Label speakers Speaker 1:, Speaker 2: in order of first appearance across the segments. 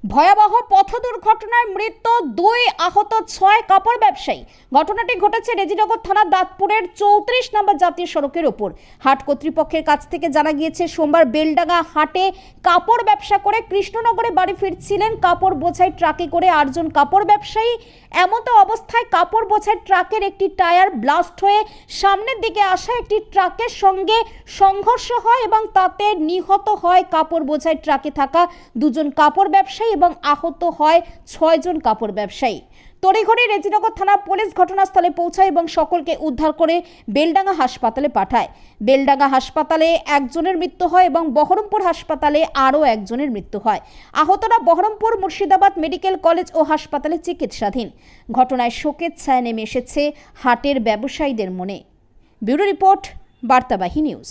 Speaker 1: ভয়াবহ পথ দুর্ঘটনায় মৃত্যু 2, আহত 6 কাপড় ব্যবসায়ী। ঘটনাটি ঘটেছে রেজিনগর থানার দাঁতপুরের 34 নম্বর জাতীয় সড়কের উপর। হাট কর্তৃপক্ষের কাছ থেকে জানা গিয়েছে, সোমবার বেলডাঙ্গা হাটে কাপড় ব্যবসা করে কৃষ্ণনগরে বাড়ি ফিরছিলেন কাপড় বোঝাই ট্রাকে করে 8 জন কাপড় ব্যবসায়ী। এমতো অবস্থায় কাপড় বোঝাই ট্রাকের একটি টায়ার ব্লাস্ট হয়ে সামনের দিকে আসা একটি ট্রাকের সঙ্গে সংঘর্ষ হয় এবং তাতে নিহত হয় কাপড় বোঝাই ট্রাকে থাকা 2 জন কাপড় ব্যবসায়ী এবং আহত হয় 6 জন কাপড় ব্যবসায়ী। তড়িঘড়ি রেজিনগর থানা পুলিশ ঘটনাস্থলে পৌঁছায় এবং সকলকে উদ্ধার করে বেলডাঙ্গা হাসপাতালে পাঠায়। বেলডাঙ্গা হাসপাতালে একজনের মৃত্যু হয় এবং বহরমপুর হাসপাতালে আরও একজনের মৃত্যু হয়। আহতরা বহরমপুর, মুর্শিদাবাদ মেডিকেল কলেজ ও হাসপাতালে চিকিৎসাধীন। ঘটনায় শোকের ছায়া নেমে এসেছে হাটের ব্যবসায়ীদের মনে। ব্যুরো রিপোর্ট, বার্তাবাহী নিউজ।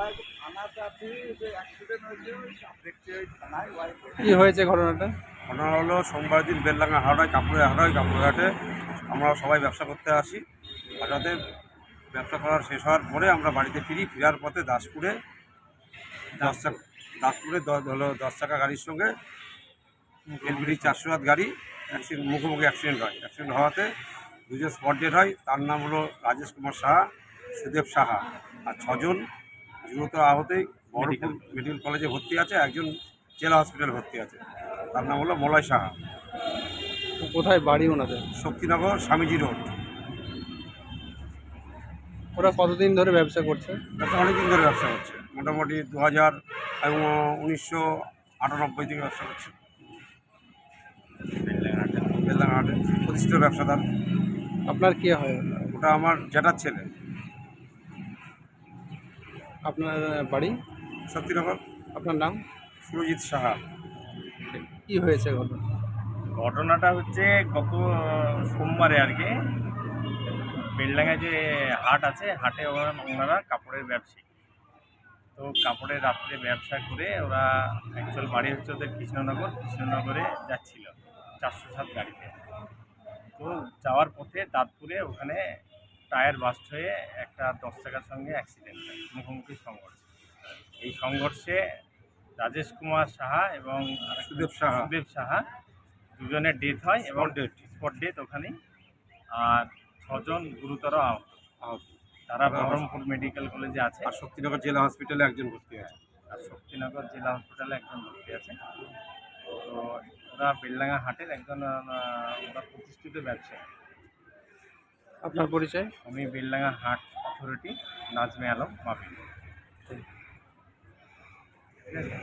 Speaker 2: কি হয়েছে ঘটনাটা?
Speaker 3: ঘটনা হলো, সোমবার দিন বেলডাঙ্গা হাওড়ায় কাপড়ঘাটে আমরা সবাই ব্যবসা করতে আসি। হঠাৎ ব্যবসা করার শেষ হওয়ার পরে আমরা বাড়িতে ফেরার পথে দাসপুরে 10 চাকা গাড়ির সঙ্গে এলবিডি 407 গাড়ি মুখোমুখি অ্যাক্সিডেন্ট হয়। অ্যাক্সিডেন্ট হওয়াতে 2 জন স্পট ডেড হয়। তার নাম হলো রাজেশ কুমার সাহা, সুদেব সাহা, আর 6 জন গুরুতর আহতেই বহরমপুর মেডিকেল কলেজে ভর্তি আছে। একজন জেলা হসপিটালে ভর্তি আছে, তার নাম হলো মলয় সাহা।
Speaker 2: কোথায় বাড়ি ওনাদের?
Speaker 3: শক্তিনগর স্বামীজি রোড।
Speaker 2: ওরা কতদিন ধরে ব্যবসা করছে?
Speaker 3: অনেকদিন ধরে ব্যবসা করছে, মোটামুটি 1998 থেকে ব্যবসা করছে। বেলডাঙ্গাহাটে প্রতিষ্ঠিত ব্যবসাদার।
Speaker 2: আপনার কে হয়?
Speaker 3: ওটা আমার জ্যাঠার ছেলে।
Speaker 2: আপনার বাড়ি?
Speaker 3: শক্তিনগর।
Speaker 2: আপনার নাম?
Speaker 3: সুরজিৎ সাহা।
Speaker 2: কি হয়েছে ঘটনা?
Speaker 4: ঘটনাটা হচ্ছে গত সোমবারে আর কি, বেলডাঙ্গায় যে হাট আছে, হাটে ওনারা কাপড়ের ব্যবসায়ী। তো কাপড়ের রাত্রে ব্যবসা করে ওরা অ্যাকচুয়াল বাড়ি হচ্ছে ওদের কৃষ্ণনগরে যাচ্ছিল 407 গাড়িতে। তো যাওয়ার পথে দাঁতপুরে ওখানে টায়ার বাস্ট হয়ে একটা 10 চাকার সঙ্গে অ্যাক্সিডেন্ট হয়, মুখোমুখি সংঘর্ষ। এই সংঘর্ষে রাজেশ কুমার সাহা এবং
Speaker 3: সুদেব
Speaker 4: সাহা দুজনের ডেথ হয় এবং স্পট ডেথ ওখানেই। আর 6 জন গুরুতর আহত। তারা বহরমপুর মেডিকেল কলেজে আছে,
Speaker 3: আর শক্তিনগর জেলা হসপিটালে একজন ভর্তি আছে।
Speaker 4: তো ওরা বেলডাঙ্গা হাটের একজন ওরা প্রতিষ্ঠিত ব্যবসায়ী।
Speaker 2: আপনার পরিচয়?
Speaker 4: আমি বেলডাঙ্গা হাট অথরিটি নাজমে আলম মাফি।